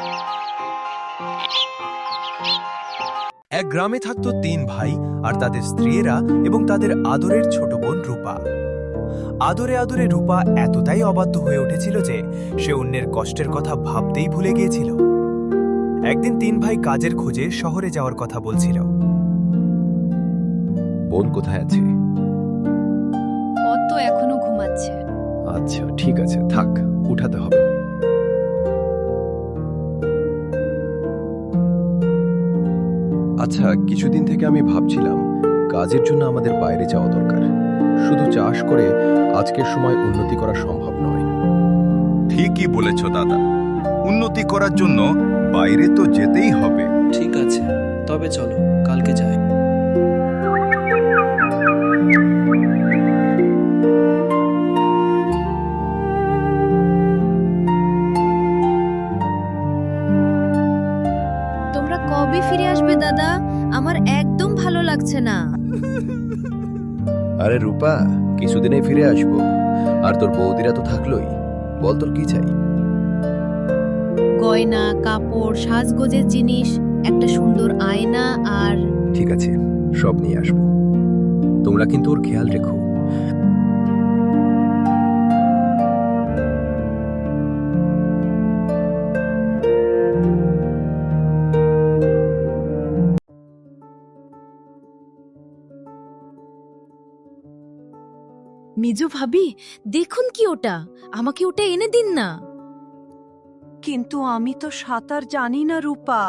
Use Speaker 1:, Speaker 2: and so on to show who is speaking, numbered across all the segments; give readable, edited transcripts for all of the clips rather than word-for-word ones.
Speaker 1: এক গ্রামে থাকত ৩ ভাই আর তাদের স্ত্রীরা এবং তাদের আদরের ছোট বোন রূপা। আদরে আদরে রূপা এতটাই অবাধ্য হয়ে উঠেছিল যে সে অন্যের কষ্টের কথা ভাবতেই ভুলে গিয়েছিল। একদিন ৩ ভাই কাজের খোঁজে শহরে যাওয়ার কথা বলছিল।
Speaker 2: বোন কোথায় আছে?
Speaker 3: ও তো এখনো ঘুমাচ্ছে।
Speaker 2: আচ্ছা ঠিক আছে, থাক, উঠাতে হবে। আচ্ছা, কিছুদিন থেকে আমি ভাবছিলাম কাজের জন্য আমাদের বাইরে যাওয়া দরকার। শুধু চাষ করে আজকের সময় উন্নতি করা সম্ভব নয়।
Speaker 4: ঠিকই বলেছ দাদা, উন্নতি করার জন্য বাইরে তো যেতেই হবে।
Speaker 5: ঠিক আছে, তবে চলো কালকে যাই।
Speaker 3: তোমরা কবে ফিরে আসবে দাদা? আমার একদম ভালো লাগছে না।
Speaker 2: আরে রূপা, কিছুদিনেই ফিরে আসবো। আর তোর বৌদিরা তো থাকলোই। বল তোর কি চাই?
Speaker 3: গয়না, কাপড়, সাজগোজের জিনিস, একটা সুন্দর আয়না আর
Speaker 2: ঠিক আছে, সব নিয়ে আসবো। তোমরা কিন্তু ওর খেয়াল রেখো।
Speaker 3: মিজু ভাবি, দেখুন কি ওটা, আমাকে ওটা এনে দিন না।
Speaker 6: কিন্তু আমি তো সাঁতার জানি না রূপা।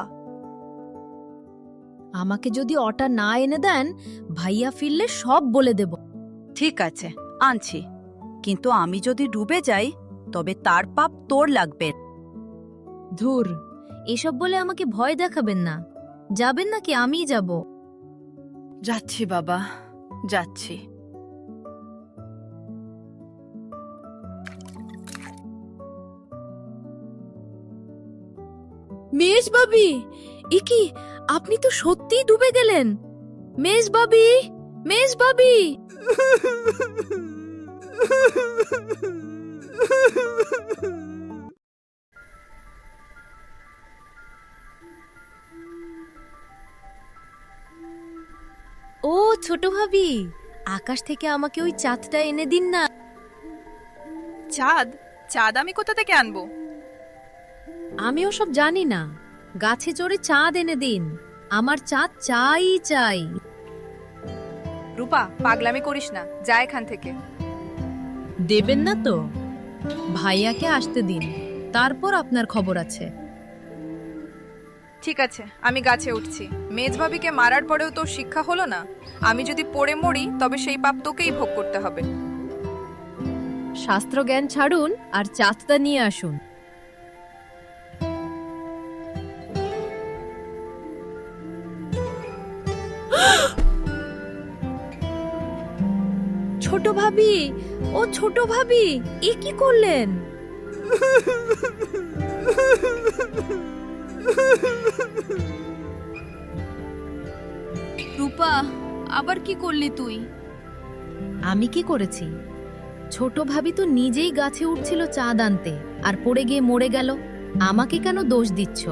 Speaker 3: আমাকে যদি ওটা না এনে দেন, ভাইয়া ফিরলে সব বলে দেব।
Speaker 6: ঠিক আছে, আনছি, কিন্তু আমি যদি ডুবে যাই তবে তার পাপ তোর লাগবে।
Speaker 3: ধুর, এসব বলে আমাকে ভয় দেখাবেন না। যাবেন নাকি আমিই যাব?
Speaker 6: যাচ্ছি বাবা, যাচ্ছি।
Speaker 3: মেজ ভাবি, এ কি, আপনি তো সত্যিই ডুবে গেলেন। মেজ ভাবি, মেজ ভাবি। ও ছোট ভাবি, আকাশ থেকে আমাকে ওই চাঁদটা এনে দিন না।
Speaker 7: চাঁদ? চাঁদ আমি কোথা থেকে আনবো?
Speaker 3: আমি ওসব জানি না, গাছে চড়ে চাঁদ এনে দিন। আমার চাঁদ চাই চাই।
Speaker 7: রূপা, পাগলামি করিস না, যা এখান থেকে।
Speaker 3: দেবেন না তো? ভাইয়াকে আসতে দিন, তারপর আপনার খবর আছে।
Speaker 7: ঠিক আছে, আমি গাছে উঠছি। মেজ ভাবিকে মারার পরেও তোর শিক্ষা হলো না? আমি যদি পড়ে মরি তবে সেই পাপ তোকেই ভোগ করতে হবে।
Speaker 3: শাস্ত্র জ্ঞান ছাড়ুন আর চাঁদটা নিয়ে আসুন। ছোট ভাবি, ও ছোট ভাবি, এ কি করলেন?
Speaker 7: রূপা, আবার কি করলি তুই?
Speaker 3: আমি কি করেছি? ছোট ভাবি তো নিজেই গাছে উঠছিল চাঁদ আনতে, আর পড়ে গিয়ে মরে গেল। আমাকে কেন দোষ দিচ্ছ?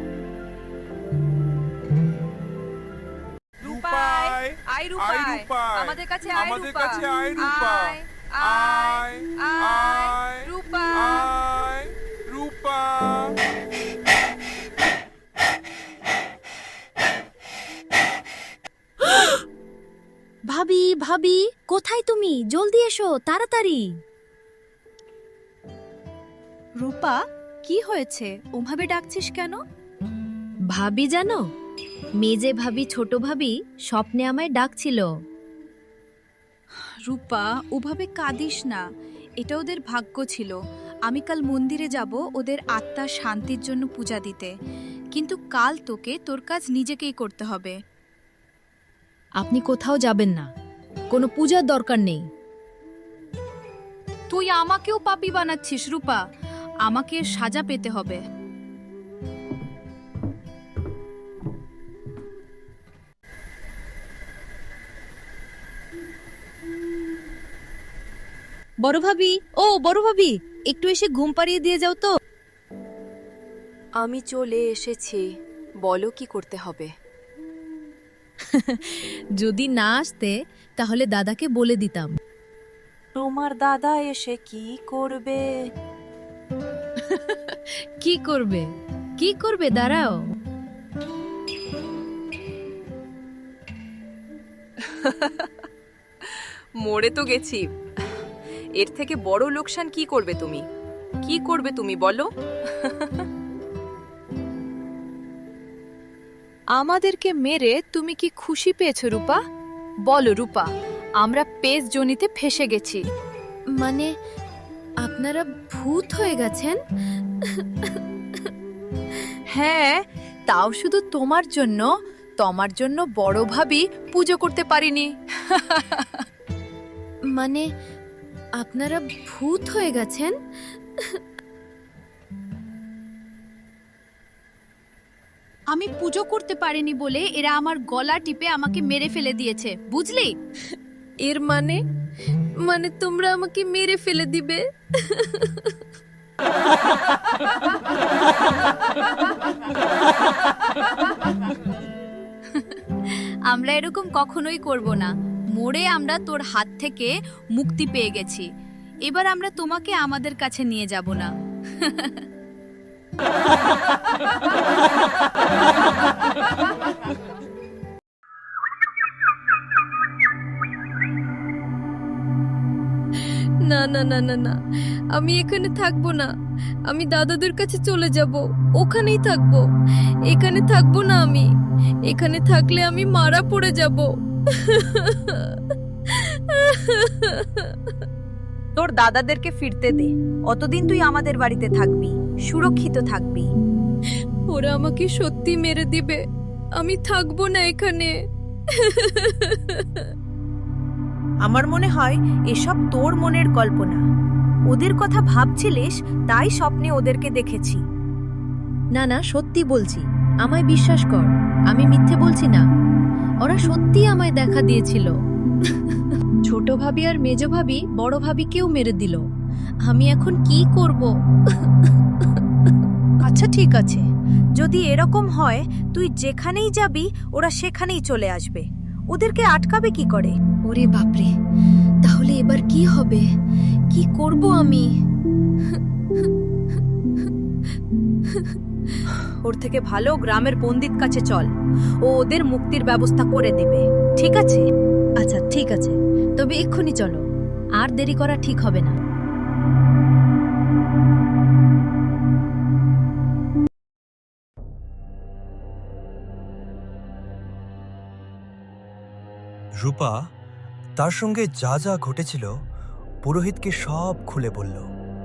Speaker 7: রূপায়, আয় রূপায়, আমাদের কাছে আয় রূপা, আয়, আয়, আয়, রূপা।
Speaker 3: ভাবি, ভাবি, কোথায় তুমি? জলদি এসো, তাড়াতাড়ি।
Speaker 7: রূপা, কি হয়েছে? ওভাবে ডাকছিস কেন?
Speaker 3: ভাবি জানো, মেজে ভাবি, ছোট ভাবি স্বপ্নে আমায় ডাকছিল।
Speaker 7: রূপা, ওভাবে কাঁদিস না, এটা ওদের ভাগ্য ছিল। আমি কাল মন্দিরে যাব ওদের আত্মার শান্তির জন্য পূজা দিতে, কিন্তু কাল তোকে তোর কাজ নিজেকেই করতে হবে।
Speaker 3: আপনি কোথাও যাবেন না, কোনো পূজার দরকার নেই।
Speaker 7: তুই আমাকেও পাপী বানাচ্ছিস রূপা, আমাকে সাজা পেতে হবে।
Speaker 3: বড় ভাবি, ও বড় ভাবি, একটু এসে ঘুম পাড়িয়ে দিয়ে যাও তো।
Speaker 6: আমি চলে এসেছি, বলো কি করতে হবে।
Speaker 3: যদি না আসতে তাহলে দাদাকে বলে দিতাম।
Speaker 6: তোমার দাদা এসে কি করবে?
Speaker 3: কি করবে? কি করবে দাঁড়াও।
Speaker 6: মরে তো গেছি, এর থেকে বড় লোকসান কি করবে তুমি? কি করবে তুমি বলো? আমাদেরকে মেরে তুমি কি খুশি পেয়েছো রূপা? বলো রূপা, আমরা পেজ জনিতে ফেসে গেছি।
Speaker 3: মানে আপনারা ভূত হয়ে গেছেন?
Speaker 6: হ্যাঁ, তাও শুধু তোমার জন্য বড় ভাবি পুজো করতে পারিনি।
Speaker 3: মানে আপনারা ভূত হয়ে গেছেন?
Speaker 7: আমি পুজো করতে পারিনি বলে এরা আমার গলা টিপে আমাকে মেরে ফেলে দিয়েছে, বুঝলি?
Speaker 3: এর মানে মানে তোমরা আমাকে মেরে ফেলে দিবে?
Speaker 7: আমরা এরকম কখনোই করব না। মরে আমরা তোর হাত থেকে মুক্তি পেয়ে গেছি। এবার আমরা তোমাকে আমাদের কাছে নিয়ে যাব না।
Speaker 3: না না না না না, আমি এখানে থাকবো না। আমি দাদাদের কাছে চলে যাব, ওখানেই থাকবো। এখানে থাকবো না আমি। এখানে থাকলে আমি মারা পড়ে যাব।
Speaker 6: তোর দাদাদেরকে ফিরতে দে, অতদিন তুই আমাদের বাড়িতে থাকবি, সুরক্ষিত থাকবি।
Speaker 3: ওরা আমাকে সত্যি মেরে দিবে। আমি থাকবো না এখানে।
Speaker 6: আমার মনে হয় এসব তোর মনের কল্পনা। ওদের কথা ভাবছিলিস, তাই স্বপ্নে ওদেরকে দেখেছি।
Speaker 3: না না, সত্যি বলছি, আমায় বিশ্বাস কর। আমি মিথ্যে বলছি না। ওরা সত্যি আমায় দেখা দিয়েছিল। ছোট ভাবি আর মেজ ভাবি বড় ভাবিকেও মেরে দিল। আমি এখন কি করব?
Speaker 6: আচ্ছা ঠিক আছে, যদি এরকম হয় তুই যেখানেই যাবি ওরা সেখানেই চলে আসবে। ওদেরকে আটকাবে কি করে?
Speaker 3: ওরে বাপরে, তাহলে এবার কি হবে? কি করব আমি?
Speaker 6: ওর থেকে ভালো গ্রামের পণ্ডিত কাছে চল, ও ওদের মুক্তির ব্যবস্থা করে দেবে, ঠিক আছে?
Speaker 3: আচ্ছা ঠিক আছে, তবে এক্ষুনি চলো, আর দেরি করা ঠিক হবে না।
Speaker 1: রূপা তার সঙ্গে যা যা ঘটেছিল পুরোহিতকে সব খুলে বলল।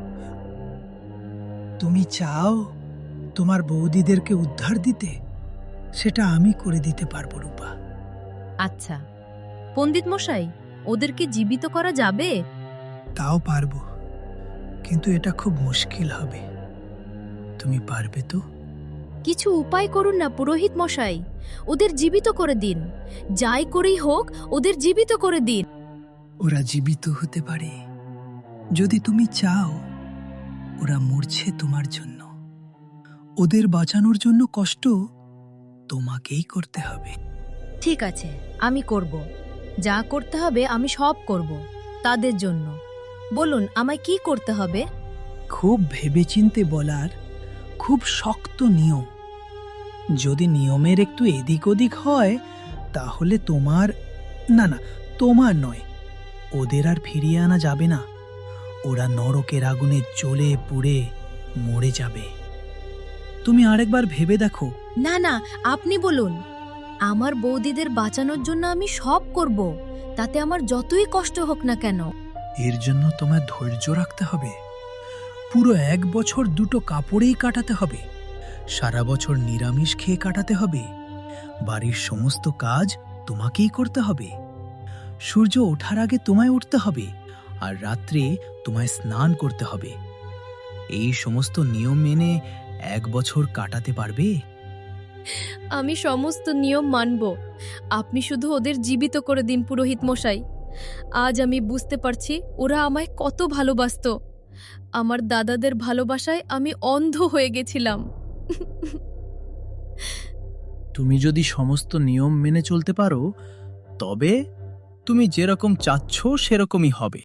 Speaker 8: তুমি চাও তোমার বৌদিদেরকে উদ্ধার দিতে? সেটা আমি করে দিতে পারবো রূপা।
Speaker 3: আচ্ছা পণ্ডিত মশাই, ওদেরকে জীবিত করা যাবে?
Speaker 8: তাও পারবো, কিন্তু এটা খুব মুশকিল হবে। তুমি পারবে তো?
Speaker 3: কিছু উপায় করুন না পুরোহিত মশাই, ওদের জীবিত করে দিন। যাই করেই হোক ওদের জীবিত করে দিন।
Speaker 8: ওরা জীবিত হতে পারে যদি তুমি চাও। ওরা মরছে তোমার জন্য। ওদের বাঁচানোর জন্য কষ্ট তোমাকেই করতে হবে।
Speaker 3: ঠিক আছে, আমি করব। যা করতে হবে আমি সব করব তাদের জন্য। বলুন আমায় কি করতে হবে?
Speaker 8: খুব ভেবেচিন্তে বলার খুব শক্ত নিয়ম। যদি নিয়মের একটু এদিক ওদিক হয় তাহলে তোমার তোমার নয়, ওদের আর ফিরিয়ে আনা যাবে না। ওরা নরকের আগুনে জ্বলে পুড়ে মরে যাবে। তুমি আরেকবার ভেবে দেখো।
Speaker 3: না না, আপনি বলুন। আমার বৌদিদের বাঁচানোর জন্য আমি সব করব, তাতে আমার যতই কষ্ট হোক না কেন।
Speaker 8: এর জন্য তোমায় ধৈর্য রাখতে হবে। পুরো 1 বছর দুটো কাপড়েই কাটাতে হবে। সারা বছর নিরামিষ খেয়ে কাটাতে হবে। বাড়ির সমস্ত কাজ তোমাকেই করতে হবে। সূর্য ওঠার আগে তোমায় উঠতে হবে, আর রাত্রে তোমায় স্নান করতে হবে। এই সমস্ত নিয়ম মেনে 1 বছর কাটাতে পারবে?
Speaker 3: আমি সমস্ত নিয়ম মানব। আপনি শুধু ওদের জীবিত করে দিন পুরোহিত মশাই। আজ আমি বুঝতে পারছি ওরা আমায় কত ভালোবাসতো। আমার দাদাদের ভালোবাসায় আমি অন্ধ হয়ে গেছিলাম।
Speaker 8: তুমি যদি সমস্ত নিয়ম মেনে চলতে পারো তবে তুমি যেরকম চাচ্ছ সেরকমই হবে।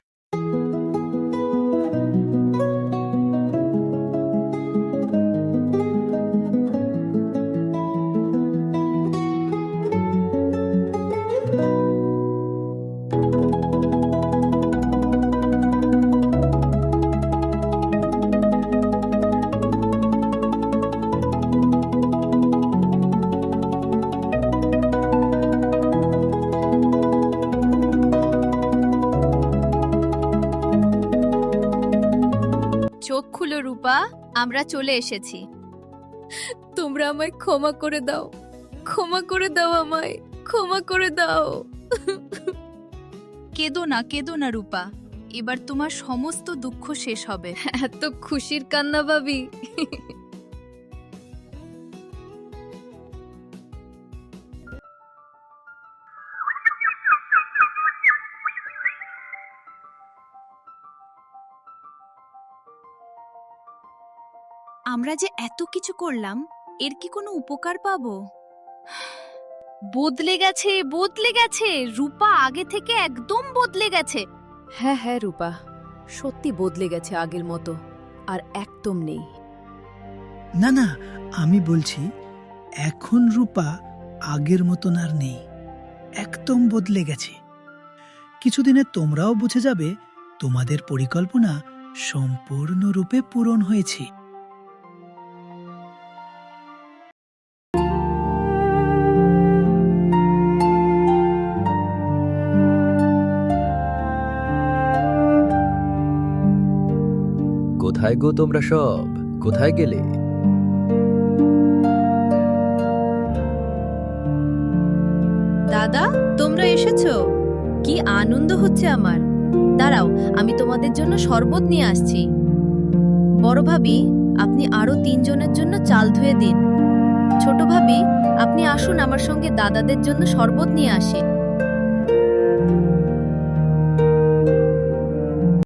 Speaker 7: চোখ খুলো রূপা, আমরা চলে এসেছি।
Speaker 3: তোমরা আমায় ক্ষমা করে দাও, ক্ষমা করে দাও, আমায় ক্ষমা করে দাও।
Speaker 7: কেঁদো না রূপা, এবার তোমার সমস্ত দুঃখ শেষ হবে।
Speaker 3: এত খুশির কান্না ভাবি।
Speaker 7: আমরা যে এত কিছু করলাম, এর কি কোনো উপকার পাবো? বদলে গেছে রূপা, আগে থেকে একদম বদলে গেছে।
Speaker 3: হ্যাঁ হ্যাঁ রূপা, সত্যি বদলে গেছে আগের মতো, আর একদম নেই।
Speaker 8: না না, আমি বলছি এখন রূপা আগের মতন আর নেই, একদম বদলে গেছে। কিছুদিনে তোমরাও বুঝে যাবে তোমাদের পরিকল্পনা সম্পূর্ণরূপে পূরণ হয়েছে।
Speaker 2: কোথায় গো তোমরা সব, কোথায় গেলে?
Speaker 3: দাদা, তোমরা এসেছো, কি আনন্দ হচ্ছে আমার। দাঁড়াও, আমি তোমাদের জন্য শরবত নিয়ে আসছি। বড় ভাবি, আপনি আরো 3 জনের জন্য চাল ধুয়ে দিন। ছোট ভাবি, আপনি আসুন আমার সঙ্গে দাদাদের জন্য শরবত নিয়ে আসেন।